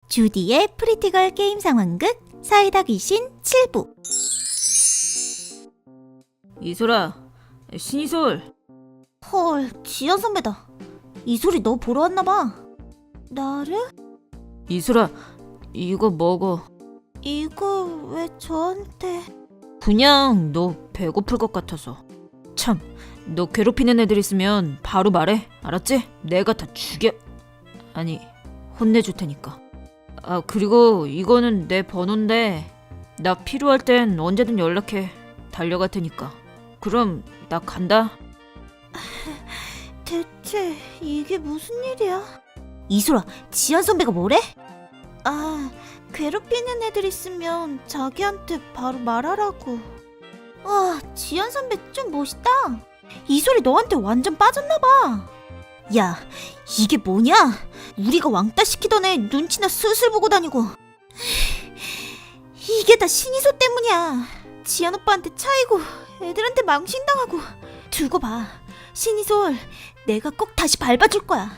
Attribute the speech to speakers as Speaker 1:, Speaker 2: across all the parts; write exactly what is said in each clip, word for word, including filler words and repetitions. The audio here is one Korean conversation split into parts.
Speaker 1: 주디의 프리티걸 게임 상황극 사이다 귀신 칠 부.
Speaker 2: 이소라, 신이솔.
Speaker 1: 헐, 지연 선배다. 이소리 너 보러 왔나봐. 나를?
Speaker 2: 이소라, 이거 먹어.
Speaker 1: 이걸 왜 저한테?
Speaker 2: 그냥 너 배고플 것 같아서. 참, 너 괴롭히는 애들 있으면 바로 말해. 알았지? 내가 다 죽여. 아니, 혼내줄 테니까. 아, 그리고 이거는 내 번호인데 나 필요할 땐 언제든 연락해. 달려갈 테니까. 그럼 나 간다.
Speaker 1: 대체 이게 무슨 일이야? 이소라, 지연 선배가 뭐래? 아, 괴롭히는 애들 있으면 자기한테 바로 말하라고. 와, 지연 선배 좀 멋있다. 이소리 너한테 완전 빠졌나봐. 야, 이게 뭐냐? 우리가 왕따 시키던 애 눈치나 슬슬 보고 다니고. 이게 다 신이소 때문이야. 지연 오빠한테 차이고 애들한테 망신당하고. 두고 봐, 신이솔, 내가 꼭 다시 밟아줄 거야.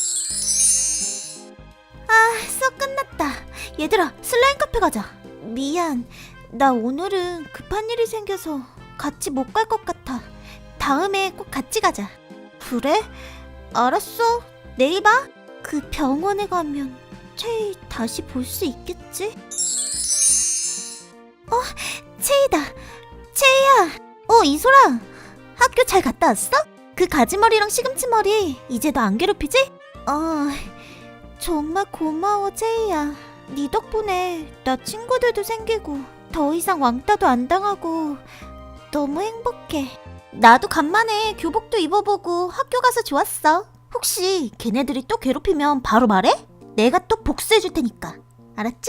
Speaker 1: 아, 수업 끝났다. 얘들아, 슬라임 카페 가자. 미안, 나 오늘은 급한 일이 생겨서 같이 못 갈 것 같아. 다음에 꼭 같이 가자. 그래? 알았어, 내일 봐. 그 병원에 가면 채이 다시 볼 수 있겠지? 어, 채이다. 채이야. 어, 이소라, 학교 잘 갔다 왔어? 그 가지머리랑 시금치머리 이제 너 안 괴롭히지? 어, 정말 고마워 채이야. 네 덕분에 나 친구들도 생기고 더 이상 왕따도 안 당하고 너무 행복해. 나도 간만에 교복도 입어보고 학교 가서 좋았어. 혹시 걔네들이 또 괴롭히면 바로 말해? 내가 또 복수해줄 테니까. 알았지?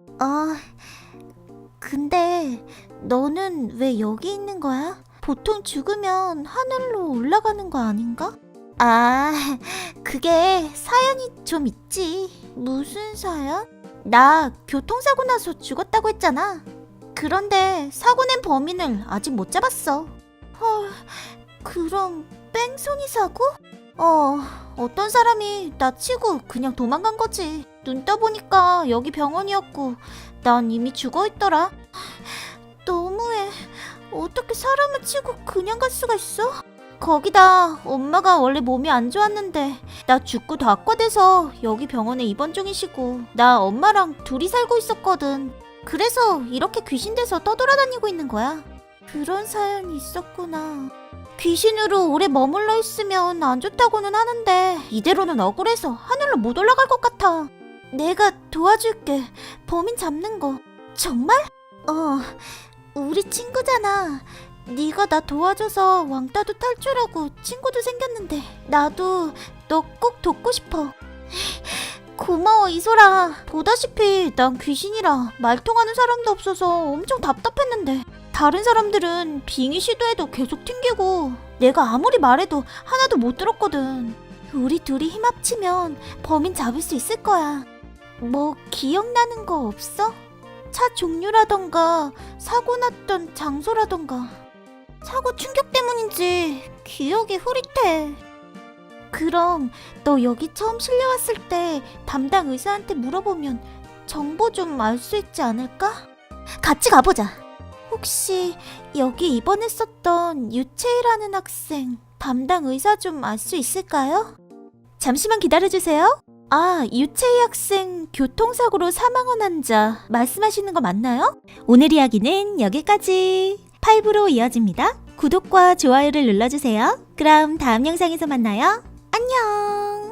Speaker 1: 어, 근데 너는 왜 여기 있는 거야? 보통 죽으면 하늘로 올라가는 거 아닌가? 아, 그게 사연이 좀 있지. 무슨 사연? 나 교통사고 나서 죽었다고 했잖아. 그런데 사고 낸 범인을 아직 못 잡았어. 헐, 그럼 뺑소니 사고? 어, 어떤 사람이 나 치고 그냥 도망간 거지. 눈 떠보니까 여기 병원이었고 난 이미 죽어있더라. 너무해. 어떻게 사람을 치고 그냥 갈 수가 있어? 거기다 엄마가 원래 몸이 안 좋았는데 나 죽고 다 악화돼서 여기 병원에 입원 중이시고 나 엄마랑 둘이 살고 있었거든. 그래서 이렇게 귀신 돼서 떠돌아다니고 있는 거야. 그런 사연이 있었구나. 귀신으로 오래 머물러 있으면 안 좋다고는 하는데 이대로는 억울해서 하늘로 못 올라갈 것 같아. 내가 도와줄게. 범인 잡는 거. 정말? 어, 우리 친구잖아. 네가 나 도와줘서 왕따도 탈출하고 친구도 생겼는데 나도 너 꼭 돕고 싶어. 고마워 이소라. 보다시피 난 귀신이라 말 통하는 사람도 없어서 엄청 답답했는데 다른 사람들은 빙의 시도해도 계속 튕기고 내가 아무리 말해도 하나도 못 들었거든. 우리 둘이 힘 합치면 범인 잡을 수 있을 거야. 뭐 기억나는 거 없어? 차 종류라던가 사고 났던 장소라던가. 사고 충격 때문인지 기억이 흐릿해. 그럼 너 여기 처음 실려왔을 때 담당 의사한테 물어보면 정보 좀 알 수 있지 않을까? 같이 가보자. 혹시 여기 입원했었던 유채이라는 학생 담당 의사 좀 알 수 있을까요? 잠시만 기다려주세요. 아, 유채이 학생 교통사고로 사망한 환자 말씀하시는 거 맞나요? 오늘 이야기는 여기까지. 팔 부로 이어집니다. 구독과 좋아요를 눌러주세요. 그럼 다음 영상에서 만나요. 안녕.